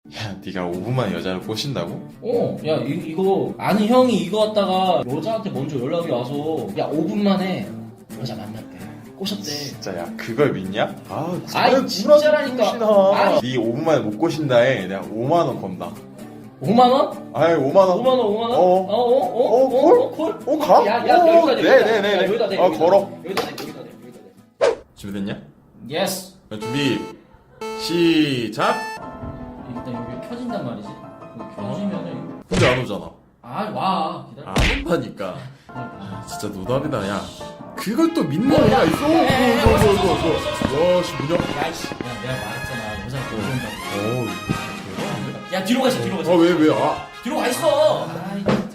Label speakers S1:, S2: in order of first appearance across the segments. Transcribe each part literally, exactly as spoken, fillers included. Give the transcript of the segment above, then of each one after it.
S1: 야, 네가 오 분 만에 여자를 꼬신다고?
S2: 어, 야, 이, 이거, 아는 형이 이거 갖다가 여자한테 먼저 연락이 와서, 야, 오 분 만에 여자 만났대. 꼬셨대.
S1: 진짜 야, 그걸 믿냐? 아,
S2: 아이, 진짜라니까. 아이.
S1: 네 오 분 만에 못 꼬신다에 내가 오만 원 건다.
S2: 오만 원?
S1: 아이, 오만 원.
S2: 오만 원, 오만 원?
S1: 어.
S2: 어, 어, 어,
S1: 어, 콜?
S2: 어, 콜?
S1: 어, 가?
S2: 야, 야,
S1: 어,
S2: 여기다 대,
S1: 네,
S2: 여기다
S1: 네,
S2: 대.
S1: 네,
S2: 야,
S1: 네.
S2: 여기다 대.
S1: 아,
S2: 여기다
S1: 걸어.
S2: 대, 여기다 대, 여기다 대, 여기다 대.
S1: 준비됐냐?
S2: 예스.
S1: 자, 준비, 시작!
S2: 일단 여기 켜진단 말이지. 여기 켜지면은,
S1: 근데 안 오잖아.
S2: 아, 와. 기다려.
S1: 안 온다니까. 아, 진짜 노답이다, 야. 그걸 또 믿는
S2: 어, 야.
S1: 애가 있어?
S2: 야, 야, 야, 야,
S1: 어,
S2: 왔어,
S1: 어,
S2: 왔어,
S1: 어,
S2: 왔어,
S1: 어,
S2: 왔어.
S1: 와, 씨, 문영.
S2: 야, 씨. 야, 내가 말했잖아. 여자가 못 온다고.
S1: 어우, 대단한데?
S2: 야, 뒤로 가시, 뒤로 가시.
S1: 아, 왜, 왜, 아.
S2: 뒤로 가 있어. 아이, 진짜.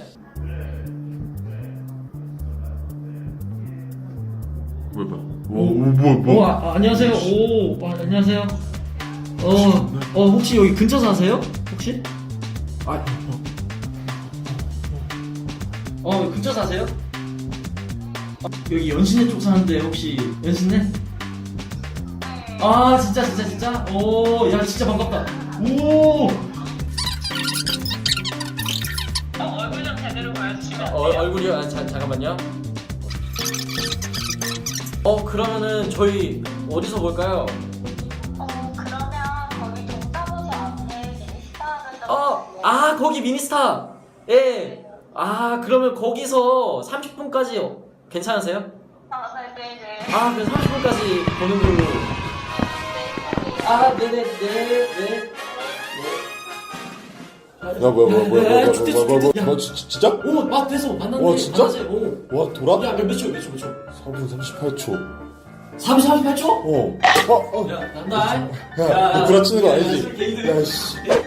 S1: 왜, 봐. 오, 오, 뭐,
S2: 오,
S1: 뭐.
S2: 아, 아, 안녕하세요. 오, 오빠, 안녕하세요. 어, 어, 혹시 여기 근처 사세요? 혹시?
S1: 아,
S2: 어, 근처 사세요? 아, 여기 연신내 쪽 사는데 혹시 연신내? 아, 진짜, 진짜, 진짜? 오, 야, 진짜 반갑다. 오!
S3: 얼굴 좀 제대로 보여주시면
S2: 어, 얼굴이요? 아, 자, 잠깐만요. 어, 그러면은 저희 어디서 볼까요?
S3: 어 그러면 거기 동사무소 앞에 미니스타는
S2: 어, 아, 거기 미니스타. 예. 아, 그러면 거기서 삼십 분까지 괜찮으세요?
S3: 아 네네네
S2: 아, 그럼 삼십 분까지 보는 걸로. 아, 네네, 네, 네.
S1: 야, 뭐야, 뭐야, 뭐야, 뭐야, 뭐야,
S2: 죽대,
S1: 뭐야, 뭐야,
S2: 죽대.
S1: 뭐야, 뭐, 지- 진짜?
S2: 오, 맞 돼서 만났네.
S1: 와, 진짜?
S2: 만났어요. 오.
S1: 와, 돌아?
S2: 야, 몇 초, 몇 초, 몇 초?
S1: 사 분 삼십팔 초.
S2: 삼십팔 초?
S1: 어. 어, 어.
S2: 야, 난다.
S1: 야, 너 구라치는 거 아니지?
S2: 개이들.
S1: 야, 씨.